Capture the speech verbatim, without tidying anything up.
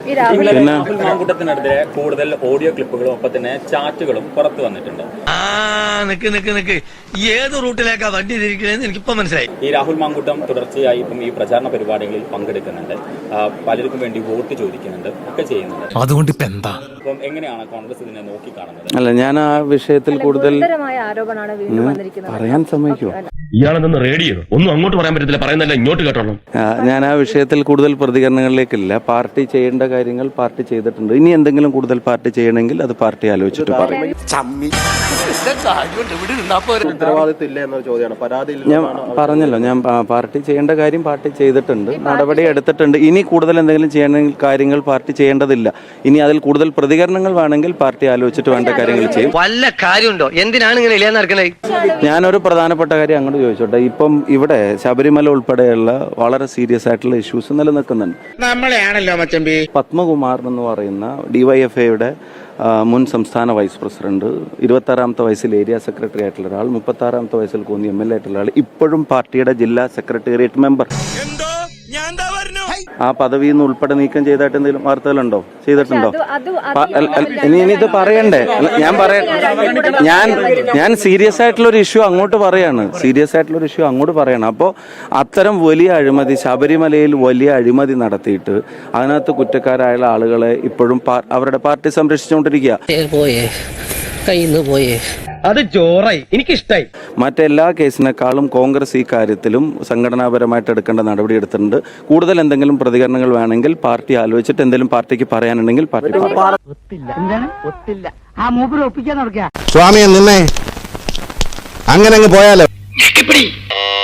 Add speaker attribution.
Speaker 1: രാഹുൽ മാങ്കൂട്ടത്തിനെതിരെ കൂടുതൽ ഓഡിയോ ക്ലിപ്പുകളും ഒപ്പം തന്നെ ചാറ്റുകളും പുറത്തു വന്നിട്ടുണ്ട്.
Speaker 2: ഏത് റൂട്ടിലേക്കാ വണ്ടി തിരിക്കണെന്ന് എനിക്കിപ്പോ മനസ്സിലായി.
Speaker 1: ഈ രാഹുൽ മാങ്കൂട്ടം തുടർച്ചയായി ഇപ്പം ഈ പ്രചാരണ പരിപാടികളിൽ പങ്കെടുക്കുന്നുണ്ട്, പലർക്കും വേണ്ടി വോട്ട് ചോദിക്കുന്നുണ്ട്, ഒക്കെ ചെയ്യുന്നുണ്ട്.
Speaker 2: അതുകൊണ്ട് ഇപ്പൊ എന്താ
Speaker 1: അപ്പം എങ്ങനെയാണ് കോൺഗ്രസ് ഇതിനെ നോക്കി കാണുന്നത്?
Speaker 3: അല്ല, ഞാൻ ആ വിഷയത്തിൽ കൂടുതൽ
Speaker 4: ആരോപണമാണ് വീണ്ടും വന്നിരിക്കുന്നത്.
Speaker 3: പറയാൻ സമ്മതിക്കുമോ?
Speaker 5: ഇയാളെന്ന് റേഡിയോ ഒന്നും അങ്ങോട്ട് പറയാൻ പറ്റത്തില്ല, പറയുന്നല്ല ഇങ്ങോട്ട് കേട്ടോളൂ.
Speaker 3: ഞാൻ ആ വിഷയത്തിൽ കൂടുതൽ പ്രതികരണങ്ങളിലേക്കില്ല. പാർട്ടി ചെയ്യേണ്ട കാര്യങ്ങൾ പാർട്ടി ചെയ്തിട്ടുണ്ട്. ഇനി എന്തെങ്കിലും കൂടുതൽ പാർട്ടി ചെയ്യണമെങ്കിൽ അത് പാർട്ടി ആലോചിച്ചിട്ട് പറയും. ഞാൻ പറഞ്ഞല്ലോ, ഞാൻ പാർട്ടി ചെയ്യേണ്ട കാര്യം പാർട്ടി ചെയ്തിട്ടുണ്ട്, നടപടി എടുത്തിട്ടുണ്ട്. ഇനി കൂടുതൽ എന്തെങ്കിലും ചെയ്യണമെങ്കിൽ കാര്യങ്ങൾ പാർട്ടി ചെയ്യേണ്ടതില്ല. ഇനി അതിൽ കൂടുതൽ പ്രതികരണങ്ങൾ വേണമെങ്കിൽ പാർട്ടി ആലോചിച്ചിട്ട് വേണ്ട കാര്യങ്ങൾ ചെയ്യും.
Speaker 2: വല്ല കാര്യമുണ്ടോ? എന്തിനാണ് ഇങ്ങനെ ഇല്ലാന്ന് നടക്കണേ?
Speaker 3: ഞാനൊരു പ്രധാനപ്പെട്ട കാര്യം അങ്ങോട്ട് ചോദിച്ചോട്ടെ. ഇപ്പം ഇവിടെ ശബരിമല ഉൾപ്പെടെയുള്ള വളരെ സീരിയസ് ആയിട്ടുള്ള ഇഷ്യൂസ് നിലനിൽക്കുന്നുണ്ട്.
Speaker 5: നമ്മളെയാണല്ലോ മച്ചമ്പി.
Speaker 3: പത്മകുമാർ എന്ന് പറയുന്ന ഡിവൈഎഫ്ഐയുടെ മുൻ സംസ്ഥാന വൈസ് പ്രസിഡന്റ്, ഇരുപത്താറാമത്തെ വയസ്സിൽ ഏരിയ സെക്രട്ടറി ആയിട്ടുള്ള ഒരാൾ, മുപ്പത്താറാമത്തെ വയസ്സിൽ കോന്നി എം എൽ എ ആയിട്ടുള്ള ആൾ, ഇപ്പോഴും പാർട്ടിയുടെ ജില്ലാ സെക്രട്ടേറിയറ്റ് മെമ്പർ. ആ പദവിയിൽ നിന്ന് ഉൾപ്പെടെ നീക്കം ചെയ്തായിട്ട് എന്തെങ്കിലും വാർത്തകളുണ്ടോ? ചെയ്തിട്ടുണ്ടോ? ഇനി ഇനി ഇത് പറയണ്ടേ? ഞാൻ പറയാം, ഞാൻ ഞാൻ സീരിയസ് ആയിട്ടുള്ള ഒരു ഇഷ്യൂ അങ്ങോട്ട് പറയാണ്. സീരിയസ് ആയിട്ടുള്ള ഒരു ഇഷ്യൂ അങ്ങോട്ട് പറയണം. അപ്പോൾ അത്തരം വലിയ അഴിമതി, ശബരിമലയിൽ വലിയ അഴിമതി നടത്തിയിട്ട് അതിനകത്ത് കുറ്റക്കാരായ ആളുകളെ ഇപ്പോഴും അവരുടെ പാർട്ടി സംരക്ഷിച്ചുകൊണ്ടിരിക്കുക.
Speaker 2: പോയേ കയ്യിന്ന് പോയേ അത് ജോറായി, എനിക്കിഷ്ടായി.
Speaker 3: മറ്റെല്ലാ കേസിനേക്കാളും കോൺഗ്രസ് ഈ കാര്യത്തിലും സംഘടനാപരമായിട്ട് എടുക്കേണ്ട നടപടി എടുത്തിട്ടുണ്ട്. കൂടുതൽ എന്തെങ്കിലും പ്രതികരണങ്ങൾ വേണമെങ്കിൽ പാർട്ടി ആലോചിച്ചിട്ട് എന്തെങ്കിലും പാർട്ടിക്ക് പറയാനുണ്ടെങ്കിൽ പാർട്ടി
Speaker 6: സ്വാമിയെ നിന്നെ അങ്ങനെ അങ്ങ് പോയാലോ.